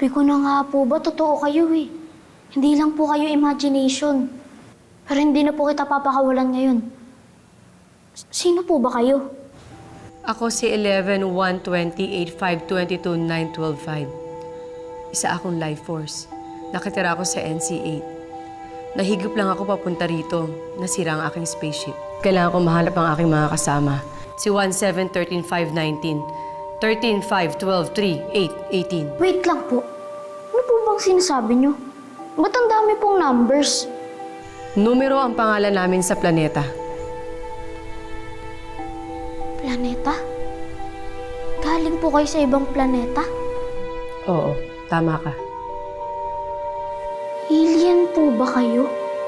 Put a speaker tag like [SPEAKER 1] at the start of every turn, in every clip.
[SPEAKER 1] Sabi ko na nga po ba, totoo kayo eh. Hindi lang po kayo imagination. Pero hindi na po kita papakawalan ngayon. Sino po ba kayo?
[SPEAKER 2] Ako si 11-1-20-8-5-22-9-12-5. Isa akong life force. Nakatira ako sa NC-8. Nahigop lang ako papunta rito. Nasira ang aking spaceship. Kailangan ko mahanap ang aking mga kasama. Si 17-13-5-19, 13-5-12-3-8-18.
[SPEAKER 1] Wait lang po. Ano po bang sinasabi nyo? Ba't ang dami pong numbers?
[SPEAKER 2] Numero ang pangalan namin sa planeta.
[SPEAKER 1] Planeta? Galing po kayo sa ibang planeta?
[SPEAKER 2] Oo, tama ka.
[SPEAKER 1] Alien po ba kayo?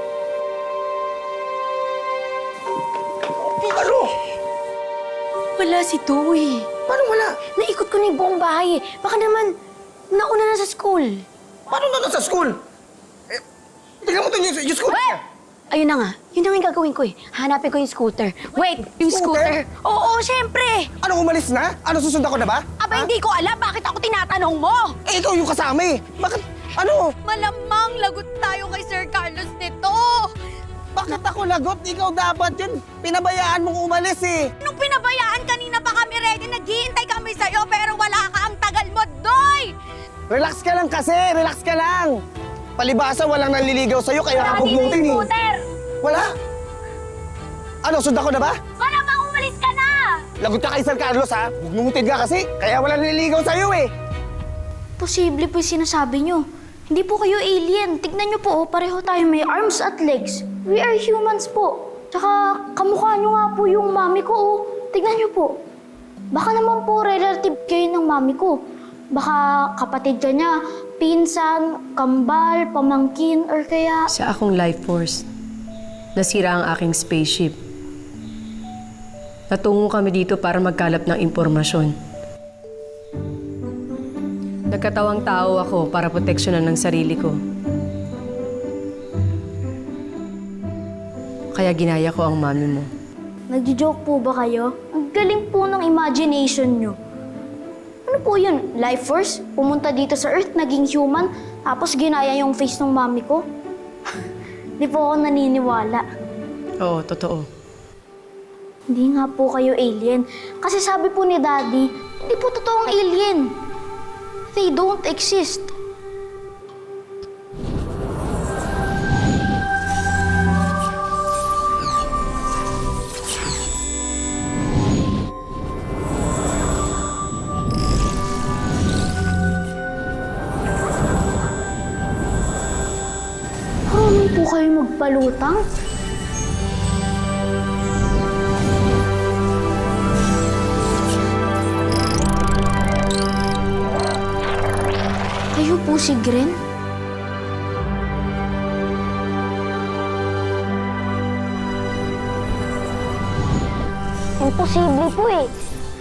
[SPEAKER 3] Ano?
[SPEAKER 4] Wala si Toy.
[SPEAKER 3] Paano wala?
[SPEAKER 4] Naikot ko na yung buong bahay eh. Baka naman, nauna na sa school.
[SPEAKER 3] Paano na sa school? Eh, tingnan mo ito yung school.
[SPEAKER 4] Ayun na nga. Yun na nga yung gagawin ko eh. Hanapin ko yung scooter. Wait, yung
[SPEAKER 3] Scooter?
[SPEAKER 4] scooter? Oo, syempre!
[SPEAKER 3] Ano, umalis na? Ano, susundan ko na ba?
[SPEAKER 4] Aba, hindi ko alam bakit ako tinatanong mo!
[SPEAKER 3] Eh, ikaw yung kasama eh. Bakit? Ano?
[SPEAKER 4] Malamang lagot tayo kay Sir Carlos nito!
[SPEAKER 3] Bakit ako lagot? Ikaw dapat yun. Pinabayaan mong umalis eh.
[SPEAKER 4] Nung pinabayaan kanina pa kami ready, naghihintay kami sa'yo pero wala ka, ang tagal mo, Doy!
[SPEAKER 3] Relax ka lang kasi. Relax ka lang. Palibasa, walang naliligaw sa'yo kaya ka bugnutin eh. Wala? Ano, sundan ko na ba?
[SPEAKER 4] Malamang umalis ka na!
[SPEAKER 3] Lagot ka kay Sir Carlos ha. Bugnutin ka kasi. Kaya walang naliligaw sa'yo eh.
[SPEAKER 1] Posible po yung sinasabi nyo. Hindi po kayo alien. Tignan nyo po, oh, pareho tayo may arms at legs. We are humans po. Tsaka kamukha nyo nga po yung mami ko, oh. Tignan nyo po. Baka naman po relative kayo ng mami ko. Baka kapatid ka niya, pinsan, kambal, pamangkin, or kaya...
[SPEAKER 2] Sa akong life force, nasira ang aking spaceship. Natungo kami dito para magkalap ng impormasyon. Nagkatawang tao ako para proteksyonan ng sarili ko. Kaya ginaya ko ang mami mo.
[SPEAKER 1] Nagjo-joke po ba kayo? Ang galing po ng imagination nyo. Ano po yun? Life force? Pumunta dito sa Earth, naging human, tapos ginaya yung face ng mami ko? Di po ako naniniwala.
[SPEAKER 2] Oo, totoo.
[SPEAKER 1] Hindi nga po kayo alien. Kasi sabi po ni Daddy, hindi po totoong alien. They don't exist. Marunong po kayo magpalutang? Kayo po si Gren? Imposible po eh.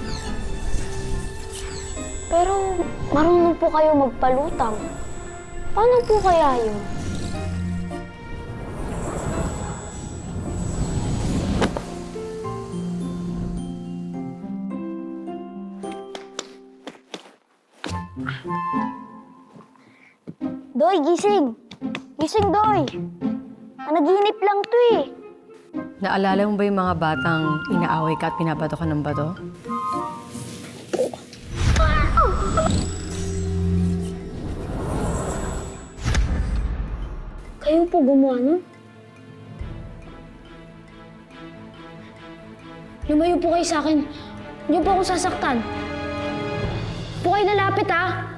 [SPEAKER 1] Pero marunong po kayo magpalutang. Paano po kaya yun? Doy, gising! Gising, Doy! Nanaginip lang to eh.
[SPEAKER 2] Naalala mo ba yung mga batang inaaway ka at pinabato ka ng bato?
[SPEAKER 1] Kayo po gumawa nun? Lumayo po kayo sa akin. Hindi po ako sasaktan. Po kayo lalapit ha.